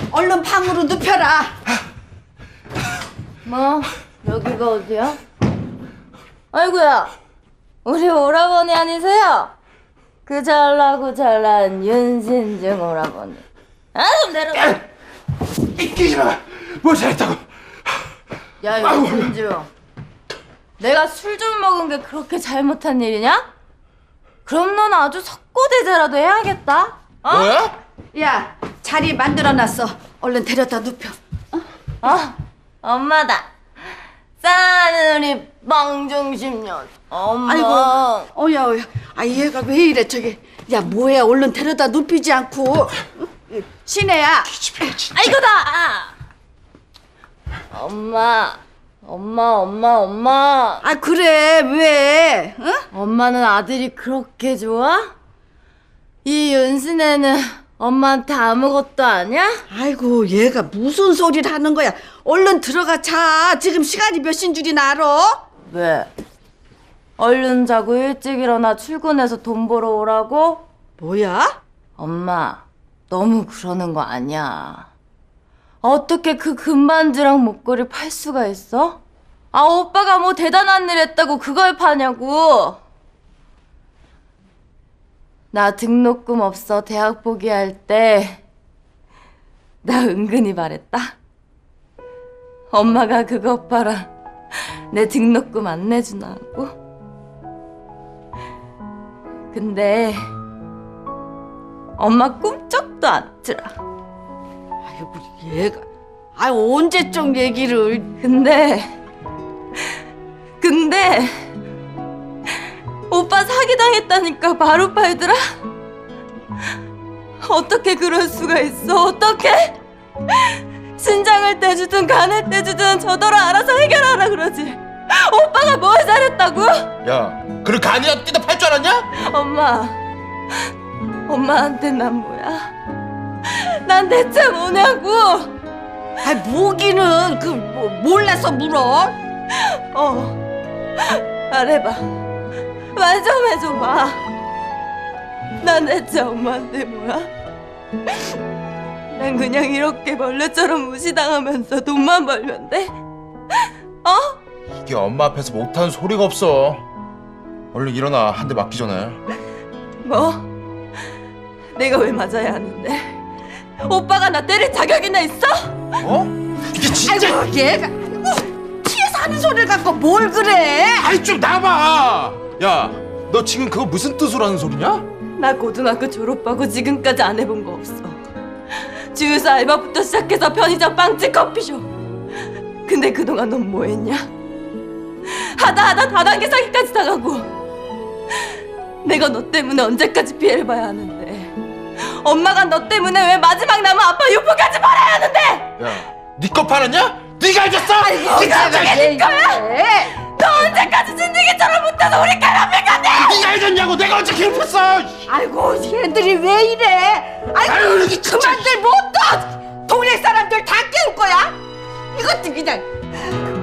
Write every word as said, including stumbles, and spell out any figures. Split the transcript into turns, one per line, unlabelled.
얼른 방으로 눕혀라.
뭐? 여기가 어디야? 아이고야, 우리 오라버니 아니세요? 그 잘나고 잘난 윤신중 오라버니. 아, 좀 내려가.
끼지 마. 뭐 잘했다고?
야, 윤신중, 내가 술 좀 먹은 게 그렇게 잘못한 일이냐? 그럼 넌 아주 석고대죄라도 해야겠다. 어?
뭐야?
야, 자리 만들어놨어. 얼른 데려다 눕혀.
어? 엄마다. 싸는 우리 멍중심년 엄마.
아이고, 어야, 어야. 아, 얘가 왜 이래, 저기. 야, 뭐야, 얼른 데려다 눕히지 않고. 응? 신혜야.
기집애 진짜.
아이고다. 엄마, 엄마, 엄마, 엄마.
아, 그래, 왜? 응?
엄마는 아들이 그렇게 좋아? 이 윤신애는 엄마한테 아무것도 아니야?
아이고, 얘가 무슨 소리를 하는 거야. 얼른 들어가 자. 지금 시간이 몇 시인 줄이나 알아?
왜? 얼른 자고 일찍 일어나 출근해서 돈 벌어 오라고?
뭐야?
엄마, 너무 그러는 거 아니야. 어떻게 그 금반지랑 목걸이 팔 수가 있어? 아, 오빠가 뭐 대단한 일 했다고 그걸 파냐고. 나 등록금 없어 대학 포기할 때 나 은근히 말했다. 엄마가 그것 봐라, 내 등록금 안 내주나고. 근데 엄마 꿈쩍도 안 들어.
아이고, 얘가. 아, 언제적 얘기를.
근데 근데 오빠 사기당했다니까 바로 팔더라? 어떻게 그럴 수가 있어? 어떻게? 신장을 떼주든 간을 떼주든 저더러 알아서 해결하라 그러지. 오빠가 뭘 잘했다고?
야, 그럼 간이라도 뜯어 팔 줄 알았냐?
엄마, 엄마한테 난 뭐야? 난 대체 뭐냐고?
아, 뭐기는 그 뭐, 몰라서 물어.
어, 말해봐. 말 좀 해줘봐. 난 대체 엄마한테 뭐야? 난 그냥 이렇게 벌레처럼 무시당하면서 돈만 벌면 돼? 어?
이게 엄마 앞에서 못하는 소리가 없어. 얼른 일어나. 한 대 맞기 전에.
뭐? 내가 왜 맞아야 하는데? 오빠가 나 때릴 자격이나 있어?
어? 이게 진짜.
아이고, 얘가. 아이고, 피해서 하는 소리를 갖고 뭘 그래?
아이 좀 나봐. 야, 너 지금 그거 무슨 뜻으로 하는 소리냐?
나 고등학교 졸업하고 지금까지 안 해본 거 없어. 주유소 알바부터 시작해서 편의점, 빵집, 커피숍. 근데 그동안 넌 뭐 했냐? 하다 하다 다단계 사기까지 당하고. 내가 너 때문에 언제까지 피해를 봐야 하는데? 엄마가 너 때문에 왜 마지막 남은 아빠 유포까지 팔아야 하는데?
야, 네 거 팔았냐? 네가 해줬어?
아이고,
그게 네 거야?
예.
너 언제까지 진드기처럼 못해서 우리 괴롭힐 건데?
네가 해줬냐고. 내가 언제 괴롭혔어?
아이고, 얘들이 왜 이래? 아이고,
아유, 이게 진짜.
그만들 못 둬! 동네 사람들 다 깨울 거야? 이것도 그냥.